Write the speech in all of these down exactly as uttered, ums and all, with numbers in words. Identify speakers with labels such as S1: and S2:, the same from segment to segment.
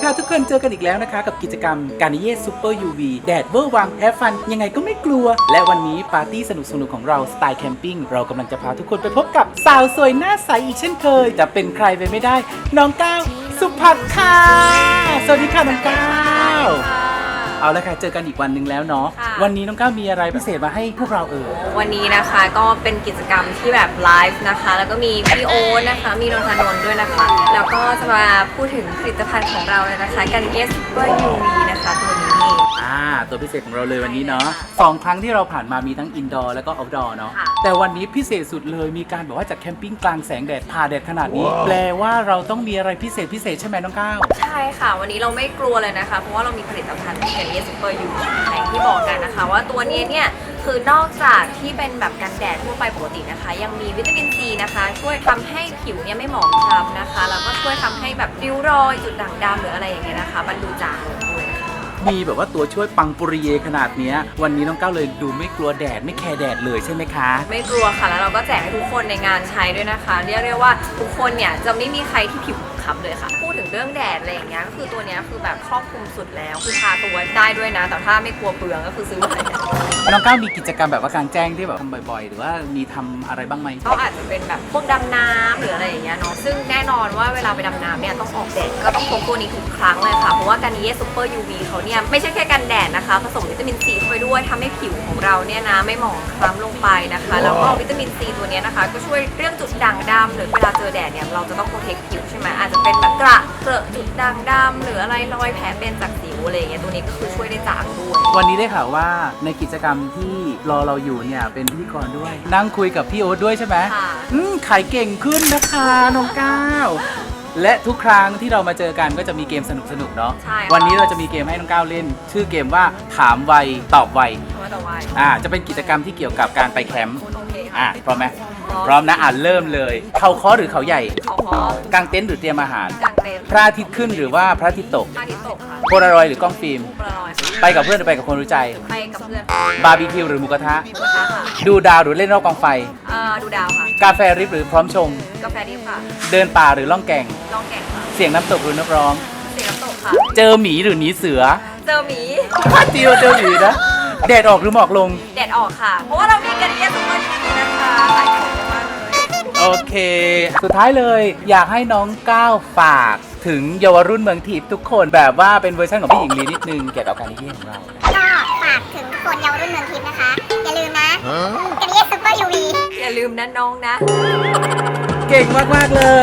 S1: ค่ะทุกคนเจอกันอีกแล้วนะคะกับกิจกรรมการนิเย่ซูเปอร์ยูวีแดดเวอร์วังแฮฟฟันยังไงก็ไม่กลัวและวันนี้ปาร์ตี้สนุกๆของเราสไตล์แคมปิ้งเรากำลังจะพาทุกคนไปพบกับสาวสวยหน้าใสอีกเช่นเคยจะเป็นใครไปไม่ได้น้องก้าวสุภัทรค่ะสวัสดีค่ะน้องก้าวเอาละค่ะเจอกันอีกวันหนึ่งแล้วเนาะวันนี้น้องก้าวมีอะไรพิเศษมาให้พวกเราเอ่ย
S2: วันนี้นะคะก็เป็นกิจกรรมที่แบบไลฟ์นะคะแล้วก็มีพี่โอ๊ตนะคะมีนนทนนท์ด้วยนะคะแล้วก็จะมาพูดถึงผลิตภัณฑ์ของเราเลยนะคะกันเอสซูเปอร์ยูวีนะคะตัวนี้
S1: อ่าตัวพิเศษของเราเลยวันนี้เนาะสองครั้งที่เราผ่านมามีทั้งอินดอร์แล้วก็เอาท์ดอร์เนาะแต่วันนี้พิเศษสุดเลยมีการบอกว่าจัดแคมปิ้งกลางแสงแดดผ่าแดดขนาดนี้แปลว่าเราต้องมีอะไรพิเศษพิเศษใช่ไหมน้องก้าว
S2: ใช่ค่ะวันนี้เราไม่กลัวเลยนะคะเพราะว่าเรามีผลิตภัณฑ์กันเอสซูเปอร์ยูวีอย่างที่บอกกันนะคะว่าตัวนี้เนี่ยคือนอกจากที่เป็นแบบกันแดดทั่วไปปกตินะคะยังมีวิตามินซีนะคะช่วยทำให้ผิวเนี่ยไม่หมองคล้ำนะคะแล้วก็ช่วยทำให้แบบริ้วรอยจุดด่างดำหรืออะไรอย่างเงี้ยนะคะบรรลุจางลงด้วยนะคะ
S1: มีแบบว่าตัวช่วยปังปุริเยขนาดนี้วันนี้น้องก้าวเลยดูไม่กลัวแดดไม่แคร์แดดเลยใช่ไหมคะ
S2: ไม่กลัวค่ะแล้วเราก็แจกให้ทุกคนในงานใช้ด้วยนะคะเรียกได้ว่าทุกคนเนี่ยจะไม่มีใครที่ผิวคล้ำเลยค่ะพูดถึงเรื่องแดดอะไรอย่างเงี้ยก็คือตัวนี้คือแบบครอบคลุมสุดแล้วคือทาตัวได้ด้วยนะแต่ถ้าไม่กลัวเปลืองก็คือซื้อมา
S1: น้องก้าวมีกิจกรรมแบบว่ากลางแจ้งที่แบบทำบ่อยๆหรือว่ามีทำอะไรบ้างไหม
S2: ก็อาจจะเป็นแบบพวกดำน้ำหรืออะไรอย่างเงี้ยเนาะซึ่งแน่นอนว่าเวลาไปดำน้ำเนี่ยต้องออกแดดก็ต้องพกตัวนี้ทุกครั้งเลยค่ะเพราะว่าการนิเย่ซูเปอร์ยูวีเขาเนี่ยไม่ใช่แค่กันแดดนะคะผสมวิตามินซีเข้าไปด้วยทำให้ผิวของเราเนี่ยนะไม่หมองคล้ำลงไปนะคะแล้วก็วิตามินซีตัวนี้นะคะก็ช่วยเรื่องจุดด่างดำหรือเวลาเจอแดดเนี่ยเราจะต้องโปรเทคผิวใช่ไหมอาจจะเป็นแบบกระเกลอะจุดด่างดำหรืออะไรรอยแผลเป็นจากสิวอะไรอย่างเงี้ยตัวนี้ก็คือช่วยได้จางด้วย
S1: วันนี้ได้ข่าวว่าในกิจกรรมที่รอเราอยู่เนี่ยเป็นพิธีกรด้วย นั่งคุยกับพี่โอ๊ตด้วยใช่ไหม
S2: ค่ะ
S1: อืมขายเก่งขึ้นนะคะน้องก้าวและทุกครั้งที่เรามาเจอกันก็จะมีเกมสนุกๆเนาะวันนี้เราจะมีเกมให้น้องก้าวเล่นชื่อเกมว่าถามไวตอบไวอ่าจะเป็นกิจกรรมที่เกี่ยวกับการไปแคมป์อ่าพร้อมไหมพร้อมนะอ่านเริ่มเลยเขาค้อหรือเขาใหญ่
S2: เขาค้
S1: อกางเต็นท์หรือเตรียมอาหาร
S2: กางเต็นท์
S1: พระอาทิตย์ขึ้นหรือว่าพระอาทิตย์ตก
S2: พระอาทิตย์ตกค่ะ
S1: โพลารอยด์หรือกล้องฟิล์ม
S2: โพลารอยด์
S1: ไปกับเพื่อนหรือไปกับคนรู้ใจ
S2: ไปกับเพื่อน
S1: บาร์บีคิวหรือหมูกระทะ
S2: หมูกระทะค่ะ
S1: ดูดาวหรือเล่นรอบกองไฟ
S2: เอ่อดูดาวค่ะ
S1: กาแฟริบหรือพร้อมชง
S2: กาแฟดิบค่ะ
S1: เดินป่าหรือล่องแก่ง
S2: ล่องแก่งค่ะ
S1: เสียงน้ำตกหรือนักร้อง
S2: เสียงน้ำตกค่ะ
S1: เจอหมีหรือหนีเสือ
S2: เจอหมี
S1: จิวเจอหมีนะแดดออกหรือหมอกลง
S2: แดดออกค่ะเพราะว่าเรามีกันเยอะสุดเลยนะคะหลายคนมากเลย
S1: โอเคสุดท้ายเลยอยากให้น้องก้าวฝากถึงเยาวรุ่นเมืองทิพย์ทุกคนแบบว่าเป็นเวอร์ชันของพี่หญิงลีนิดนึงเกี่ยวกับการนิเย่ของเรา
S3: ก็ฝากถึงคนเยาวรุ่นเมืองทิพย์นะคะอย่าลืมนะกันนิเย่ซูเปอร์ยูวี
S2: อย่าลืมนะน้องนะ
S1: เก่งมากๆเลย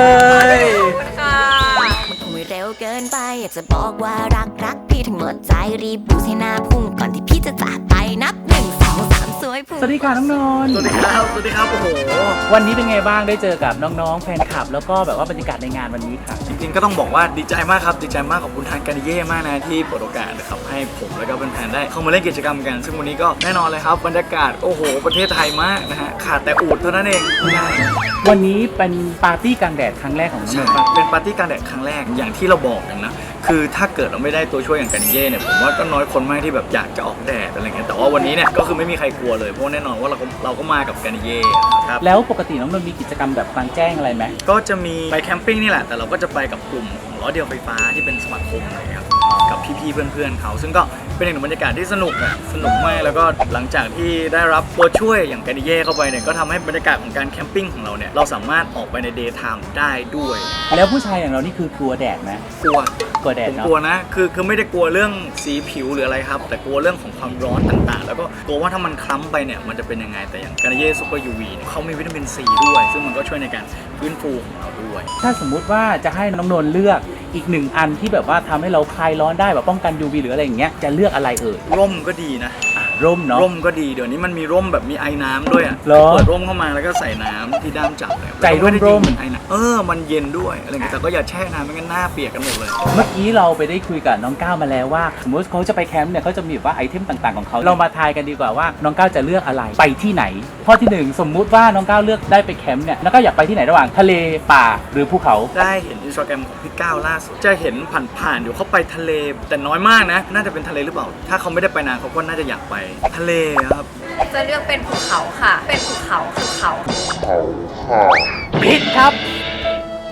S2: ขอบคุณค่ะ
S4: มันคงไม่เร็วเกินไปอยากจะบอกว่ารักรักพี่ทั้งหมดใจรีบบูสให้หน้าพุ่งก่อนที่พี่จะจากไปนับหนึ่งสองสามสวยพุ่ง
S1: สวัสดีค่ะน้องนนท์
S5: สวัสดีครับสวัสดีครับโอ้โห
S1: วันนี้เป็นไงบ้างได้เจอกับน้องๆแฟนคลับแล้วก็แบบว่าบรรยากาศในงานวันนี้ค่ะ
S5: จริงๆก็ต้องบอกว่าดีใจมากครับดีใจมากขอบคุณทางการนิเย่มากนะที่เปิดโอกาสนะครับให้ผมแล้วก็แฟนๆได้เข้ามาเล่นกิจกรรมกันซึ่งวันนี้ก็แน่นอนเลยครับบรรยากาศโอ้โหประเทศไทยมากนะฮะขาดแต่อูฐเท่านั้นเอง
S1: วันนี้เป็นปาร์ตี้กลางแดดครั้งแรกของน้องนนท์
S5: เป็นปาร์ตี้กลางแดดครั้งแรกอย่างที่เราบอกกันนะคือถ้าเกิดเราไม่ได้ตัวช่วยอย่างการนิเย่เนี่ยผมว่าก็น้อยคนมากที่แบบอยากจะออกแดดอะไรเงี้ยแต่ว่าวันนี้เนี่ยก็คือไม่มีใครกลัวเลยเพราะแน่นอนว่าเราก็เราก็มากับการนิเย่ครับ
S1: แล้วปกติน้องนนท์มีกิจกรรมแบบกลางแจ้งอะไรไหม
S5: ก็จะมีไปแคมปิ้งนี่แหละแต่เราก็จะไปกับกลุ่มของล้อเดียวไฟฟ้าที่เป็นสมาคมอะไรครับกับพี่ๆเพื่อนๆเขาซึ่งก็เป็นอีกหนึ่งบรรยากาศที่สนุกอ่ะสนุกมากแล้วก็หลังจากที่ได้รับตัวช่วยอย่างการนิเย่เข้าไปเนี่ยก็ทำให้บรรยากาศของการแคมปิ้งของเราเนี่ยเราสามารถออกไปในเดย์ไทม์ได้ด้วย
S1: แล้วผู้ชายอย่างเรานี่คือกลัวแดดไหม
S5: กลัว
S1: กลัวแดด
S5: ผมกลัวนะคือคือไม่ได้กลัวเรื่องสีผิวหรืออะไรครับแต่กลัวเรื่องของความร้อนต่างๆแล้วก็กลัวว่าถ้ามันคล้ำไปเนี่ยมันจะเป็นยังไงแต่อย่างการนิเย่ซูเปอร์ยูวีเนี่ยเขามีวิตามินซีด้วยซึ่งมันก็ช่วยในการฟื้นฟูของเราด้วย
S1: ถ้าสมมุติว่าจะให้น้องนนท์เลือกอีกหนึ่งอันที่แบบว่าทำให้เราคลายร้อนได้แบบป้องกัน ยู วี หรืออะไรอย่างเงี้ยจะเลือกอะไรเอ่ย
S5: ร่มก็ดีนะ
S1: ร่มเนาะ
S5: ร่มก็ดีเดี๋ยวนี้มันมีร่มแบบมีไอ้น้ำด้วยอ่ะเปิดร่มเข้ามาแล้วก็ใส่น้ำที่ด้ามจับเลย
S1: ใจร่มร่ม
S5: ไอ้น้ำเออมันเย็นด้วยอะไรเงี้ยแต่ก็อย่าแช่น้ำไม่งั้นหน้าเปียกกันหมดเลย
S1: เมื่อกี้เราไปได้คุยกับน้องก้าวมาแล้วว่าสมมติเขาจะไปแคมป์เนี่ยเขาจะมีแบบว่าไอเทมต่างๆของเขาเรามาทายกันดีกว่าว่าน้องก้าวจะเลือกอะไรไปที่ไหนข้อที่หนึ่งสมมุติว่าน้องก้าวเลือกได้ไปแคมป์เนี่ยน้องก้าวอยากไปที่ไหนระหว่างทะเลป่าหรือภูเขา
S5: ได้เห็นอินสตาแกรมของพี่ก้าวล่าสุดจะเห็นผ่านๆอยู่เขาไปทะเลแต่น้อยมากนะน่าจะเป็นทะเลหรือเปล่าถ้าเขาไม่ได้ไปนานเขาก็น่าจะอยากไปทะเลครับ
S2: จะเลือกเป็นภูเขาค่ะเป็นภูเขาภูเขา
S1: ผิดครับ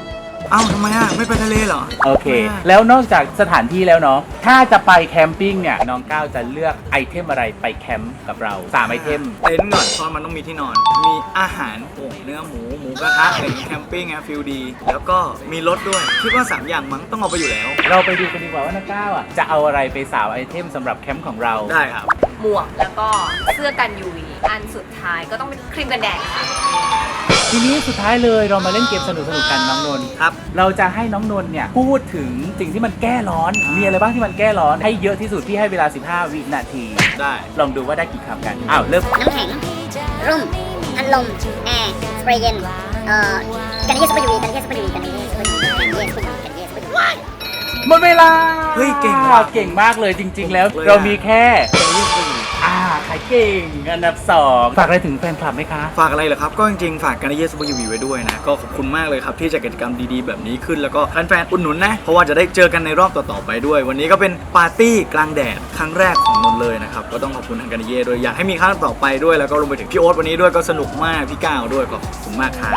S5: เอ้าทำไมอ่ะไม่ไปทะเลเหรอ
S1: โอเค แล้วนอกจากสถานที่แล้วเนาะถ้าจะไปแคมปิ้งเนี่ยน้องก้าวจะเลือกไอเทมอะไรไปแคมป์กับเราสามไอเทม
S5: เต็นท์ก่อนเพราะมันต้องมีที่นอน มีอาหารโอ่งเนื้อหมูหมูกระทะอะไรอย่างงี้แคมปิ้งอะฟิลดี แล้วก็มีรถด้วยคิดว่าสามอย่างมั้งต้องเอาไปอยู่แล้ว
S1: เราไปดูกันดีกว่าว่าน้องก้าวอ่ะจะเอาอะไรไปสาวไอเทมสำหรับแคมป์ของเรา
S5: ได้ครับ
S2: หมวกแล้วก็เสื้อกัน ยู วี อันสุดท้ายก็ต้องเป็นครีมกันแดดค่ะ
S1: ทีนี้สุดท้ายเลยเรามาเล่นเกมสนุกสนุกๆกันน้องนนท์
S5: ครับ
S1: เราจะให้น้องนนท์เนี่ยพูดถึงสิ่งที่มันแก้ร้อน มีอะไรบ้างที่มันแก้ร้อนให้เยอะที่สุดพี่ให้เวลาสิบห้าวินาที
S5: ได้
S1: ลองดูว่าได้กี่คำกันอ้าวเริ่ม
S3: น้ำแข็ง ร่ม พัดลม แอร์ สเปรย์เย็น เอ่อ กันเยสซูเปอร์ยูวีกันเยสซูเปอร์ยูวีกันเยสซูเปอร์ยูวีกันเยสซูเปอร์ยูวีกันเยสซูเปอร์ยูวี
S1: หมดเวลา
S5: เฮ้ยเก่งว่ะ
S1: เก่งมากเลยจริง ๆ แล้ว
S5: เลยอะ
S1: เรามีแค่อ่าขายเก่งอันดับสองฝากอะไรถึงแฟนคลับไหมคะ
S5: ฝากอะไรเหรอครับ ก็จริงๆ ฝากการเยสซูเปอร์ยูวีไว้ด้วยนะ ก็ขอบคุณมากเลยครับ ที่จัดกิจกรรมดีๆ แบบนี้ขึ้นแล้วก็แฟนๆอุดหนุนนะ เพราะว่าจะได้เจอกันในรอบต่อๆไปด้วย วันนี้ก็เป็นปาร์ตี้กลางแดดครั้งแรกของนนท์เลยนะครับ ก็ต้องขอบคุณทางการเยด้วยอยากให้มีครั้งต่อไปด้วยแล้วก็รวมไปถึงพี่โอ๊ตวันนี้ด้วยก็สนุกมากพี่ก้าวด้วยก็ขอบคุณมากครับ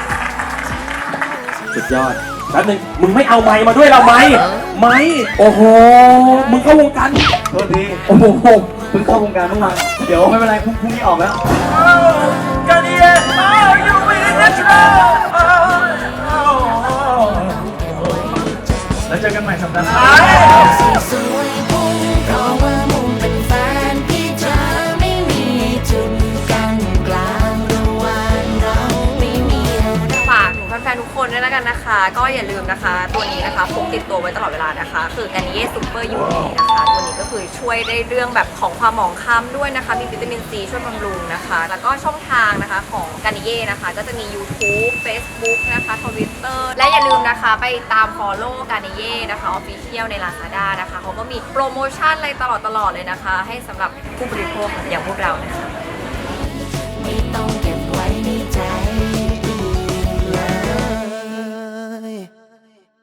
S6: สุดยอดแป๊บนึงมึงไม่เอาไม้มาด้วยเราไหมไม้โอ้โห มึงเข้าวงการโทษทีโอ้โหมึงเข้าวงการเมื่อวานเดี๋ยวไม่เป็นไรพรุ่งพรุ่งนี้ออกแล้ว
S5: การเยยูวีnatural แล้วเจอกันใหม่สัปดาห์หน้า
S4: สวยพุ่งเพราะว่ามุมเป็นแฟนพี่เธอไม่มีจุดกันกลางระหว่างเราไม่มีอะไร
S2: ฝากถึงแฟนๆทุกคนด้วยแล้วกันนะคะ ก็อย่าลืมนะคะ ตัวนี้นะคะพกติดตัวไว้ตลอดเวลานะคะ คือการนิเย่ซูเปอร์ยูวีนะคะตัวนี้ก็คือช่วยได้เรื่องแบบของความหมองคล้ำด้วยนะคะ มีวิตามินซีช่วยบำรุงนะคะ แล้วก็ช่องทางนะคะของการนิเย่นะคะ ก็จะมี YouTube Facebook นะคะ Twitter และอย่าลืมนะคะไปตาม follow การนิเย่นะคะ Official ใน Lazada นะคะเขาก็มีโปรโมชั่นอะไรตลอดๆเลยนะคะ ให้สำหรับผู้บริโภคอย่างพวกเรานะคะ